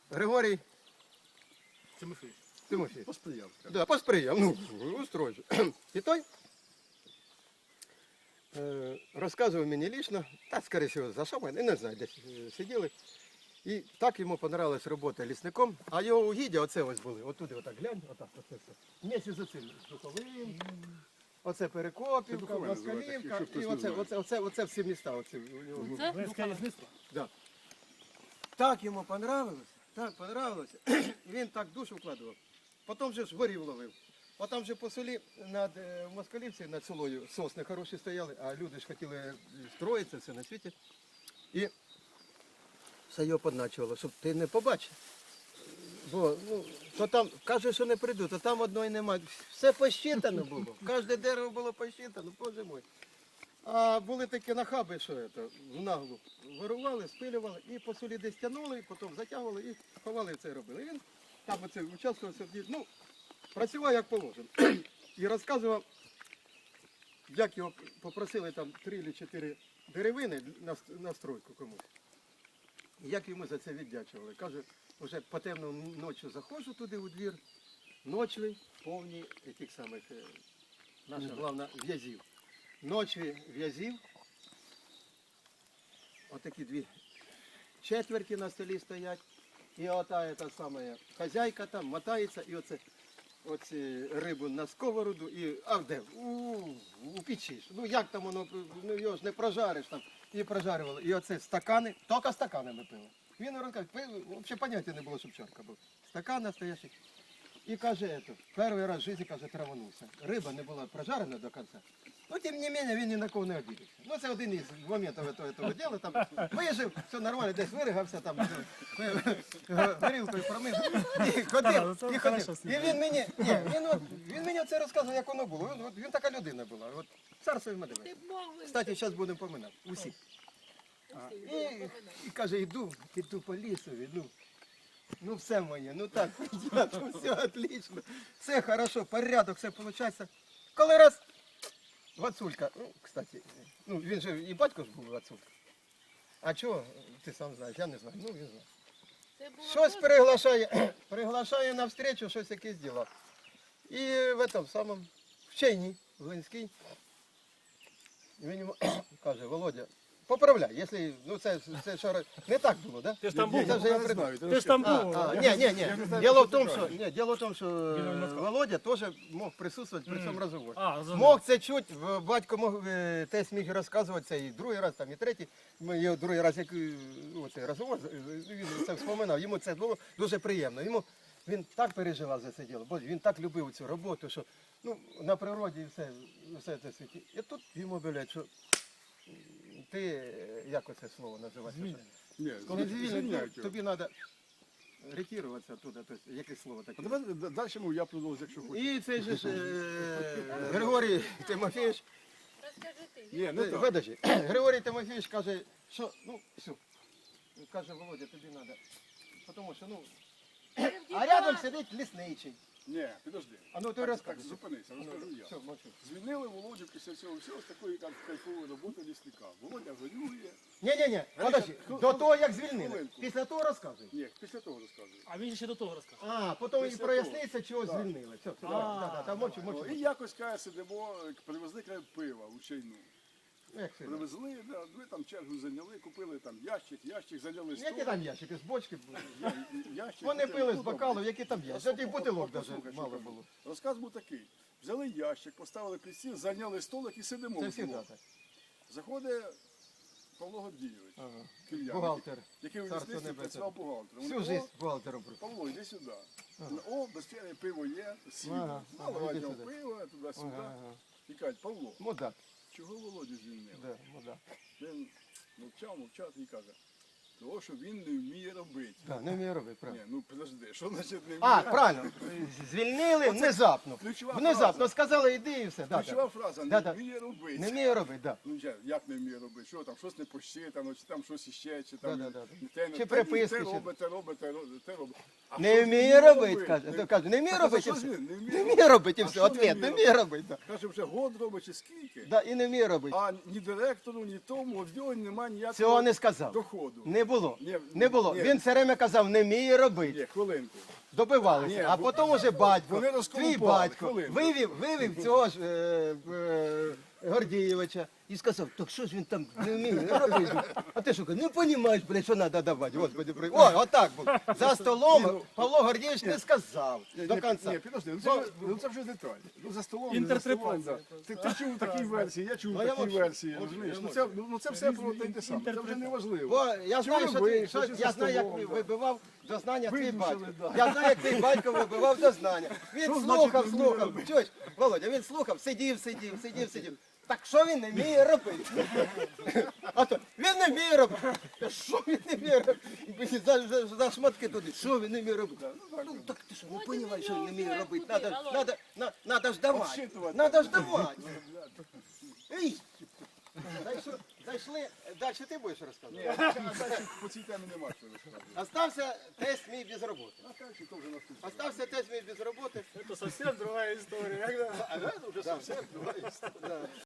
Григорій Тимофійович. Посприяв. Да, посприяв, ну, устройся. І той розказував мені лічно, так, скоріше всього, за що ми, не знаю, десь сиділи. І так йому понравилась робота лісником, а його угіддя, оце ось були, отуди, отак глянь, отак, оце все. Вместе з оцим Духовим, оце Перекопівка, Москалівка, і оце всі міста. Оце, у нього. Да. Так йому понравилось, він так душу вкладував. Потім же ж ворів ловив. Потім же по селі над Москалівці, над селою сосни хороші стояли, а люди ж хотіли строїтися, все на світі. І все його подначувало, щоб ти не побачив. Бо, ну, то там, каже, що не прийду, то там одної немає. Все посчитано було. Кожне дерево було посчитано, боже мой. А були такі нахаби, що це, в наглу вирували, спилювали і по селі десь тягнули, потім затягували і ховали це робили. І він там оце участвувався, ну, працював як положено. І розказував, як його попросили там 3 чи 4 деревини на стройку комусь. І як йому за це віддячували. Каже, вже по темному ночі заходжу туди у двір, ночі повні тих самих, наша головна, в'язів. Ночі в'язів, отакі 2 четверті на столі стоять, і ота та сама хазяйка там мотається, і оці рибу на сковороду, і, а де? У печі ж. Ну як там воно, ну його ж не прожариш там, і прожарювали. І оце стакани, тільки стаканами пили. Він розказує, взагалі поняття не було, щоб чарка була. Стакан настоящий. І каже, перший раз в житті, каже, траванувся. Риба не була прожарена до кінця. Ну, тим не менше, він ні на кого не обідався. Ну, це один із моментів цього діла. Там вижив, все нормально, десь виригався, там, горілкою промив. І ходив. І він мені, він мені це розказував, як воно було. Він така людина була. От, царство йому дивиться. Кстати, зараз будемо поминати. Усі. І каже, іду по лісові, ну все моє, ну так, все отлично, все хорошо, порядок, все виходить. Коли раз Вацулька, ну, кстати, ну він же і батько ж був Вацулька. А чого, ти сам знаєш, я не знаю, ну він знає. Щось приглашає на встречу, щось якесь діло. І в этом самому, в Чайні, в Линській, він йому каже, Володя, поправляй, якщо, ну це що, не так було, да? Ти ж там був, Ти ж там був. Ні. Діло в тому, що Володя теж мог присутствувати при цьому розговорі. Мог це чути, батько мог, тесть міг розказувати це і другий раз, там, і третій. Його другий раз, як оцей розговор, він це вспоминав, йому це було дуже приємно. Він так переживав за це діло, бо він так любив цю роботу, що ну, на природі все це світі. І тут йому говорять, що ти, як оце слово називається? Коли звільнять, тобі треба ретіруватися туди, тобто якесь слово таке. Давай далі я продовжу, якщо хочеш. І цей же ж Григорій Тимофійович, видачі, Григорій Тимофійович каже, що, ну, все, каже, Володя, тобі треба, тому що, ну, а рядом сидить лісничий. Ні, підожди. А ну ти розкажи. Так, зупинися, розкажу я. Все, мовчу. Звільнили Володю після цього всього з такої кайфової роботи лісника. Володя горює. Ні, подожди, до того, як звільнили. Після того розказуй. Ні, після того розказую. А він ще до того розказав. А, потім і проясниться, чого звільнили. Все, давай, мовчу. І якось, каже, сидимо, привезли пива у Чайну. Як це? Привезли, ми там чергу зайняли, купили там ящик, зайняли стол. Які там ящики, з бочки були? Ящик, Вони пили з ну, бокалів, які там є. Тих бутилок навіть мало кажу. було. Розказ був такий. Взяли ящик, поставили під стіл, зайняли столик і сидимо. Це вдвох. завжди так. Заходить Павло Гордійович, кільян, Бухгалтер. який у Царство лісництві небесне. працював бухгалтером. Всю життя бухгалтером працював. Павло, йди сюди. О, без черги пиво є, сіло. Наливай іди його сюди. пиво, туди-сюди. І кажуть, Павло, Мудак. чого Володю звільнили? Да, мудак. Він мовчав і каже, того, що він не вміє робити. Так, не вмію робити, правильно. Ні, ну подожди, що значить не вміє? А, правильно. Звільнили внезапно. ключова Внезапно фраза. сказали, іди і все. Ключова фраза, Да, не да. вміє робити. Не вмію робити, так. Ну як не вміє робити? Що там, щось не посчитано, чи там щось іще, чи там Да. те приписки, те чи- робить, те робить. А Не що вмію робити, каже. Не- Каже, не вмію А робити. що і ж все. він? Не Не вміє вмію робити і А все. що не Ответ, вміє не вмію робити. да. Каже, вже год робить чи скільки, Да, і не вмію робити. а ні директору, ні тому, в нього немає ніякого Цього не сказав. доходу. Не було. Ні, Не було. ні. Він все время казав, не вміє робити. Ні, хвилинку. Добивалися. Ні, А потім уже батько, вони твій розколупали, батько, хвилинку. вивів цього ж Гордієвича і сказав, так що ж він там не вміє робити? А ти що, не розумієш, блядь, що треба давати, Господи, О, отак був. За столом Павло Гордієвич не сказав до кінця. Ні, підожди, це вже деталь. Ну за столом, не за столом, да. Ти чув такі версії, я чув Ну, я такі мовчу. версії, розумієш? Ну це все про те саме, це вже не важливо. Бо я знаю, Чому що ви, ти, що що, за я знаю, як столом, да. вибивав дознання твій Видушили, батько. да. Я знаю, як твій батько вибивав дознання. Він Що слухав, значить не вміє слухав. робити? Чуєш, Володя, він слухав, сидів. Так що він не вміє робити? А то він не вміє робити. Та що він не вміє робити? За шматки туди. Що він не вміє робити? Ну так ти що, не розумієш, що він не вміє робити? Надо ж давати. Обсчитувати. Надо ж давати. Ей! Зайшли, далі ти будеш розказувати? Далі по цій темі нема що розказувати. Остався тест мій без роботи. А далі то вже наступне. Остався тест мій без роботи. Это совсем другая история. А це вже зовсім друга історія.